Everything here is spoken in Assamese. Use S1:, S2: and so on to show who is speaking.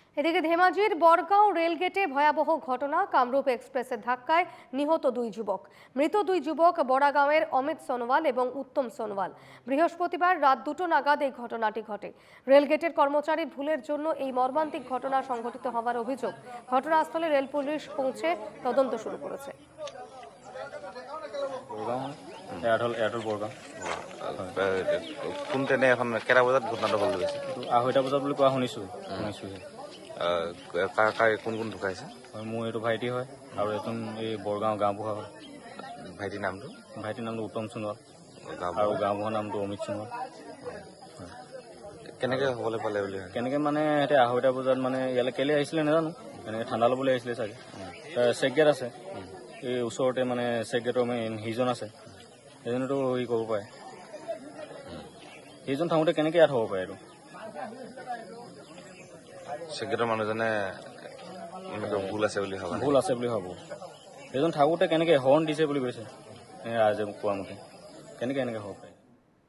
S1: এদিকে ধেমাজির বড়গাঁও রেলগেটে ভয়াবহ ঘটনা। কামরূপ এক্সপ্রেসের ধাক্কায় নিহত দুই যুবক। মৃত দুই যুবক বড়াগাঁওয়ের অমিত সোনোয়াল এবং উত্তম সোনোয়াল। বৃহস্পতিবার রাত 2টো নাগাদ এই ঘটনাটি ঘটে। রেলগেটের কর্মচারীর ভুলের জন্য এই মর্মান্তিক ঘটনা সংঘটিত হওয়ার অভিযোগ। ঘটনাস্থলে রেল পুলিশ পৌঁছে তদন্ত শুরু করেছে।
S2: কোন ট্ৰেইনে এখন কেইটা বজাত ঘটনাটো হ'ল গৈছে?
S3: 2:30 বজাত বুলি কোৱা শুনিছোঁ।
S2: কোন কোন ঢুকাইছে?
S3: মোৰ এইটো ভাইটি হয় আৰু এজন এই বৰগাঁও গাঁওবুঢ়া হয়।
S2: ভাইটিৰ নামটো
S3: উত্তম সোণোৱাল আৰু গাঁওবুঢ়াৰ নামটো অমিত সোণোৱাল।
S2: কেনেকৈ হ'বলৈ পালে বুলি
S3: কেনেকৈ মানে সিহঁতে 2:30 বজাত মানে ইয়ালৈ কেলৈ আহিছিলে নাজানো, এনেকৈ ঠাণ্ডা ল'বলৈ আহিছিলে চাগে। চেক গেট আছে এই ওচৰতে, মানে চেক গেটৰ সিজন আছে, সেইজনেতো হেৰি কৰিব পাৰে। সেইজন থাকোঁতে কেনেকৈ ইয়াত হ'ব পাৰে? এইটো
S2: চেক্ৰেটাৰী মানুহজনে ভুল আছে বুলি
S3: ভাবোঁ। সেইজন থাকোঁতে কেনেকৈ হৰ্ণ দিছে বুলি কৈছে ৰাইজে কোৱা মতে, কেনেকৈ এনেকৈ হ'ব পাৰে?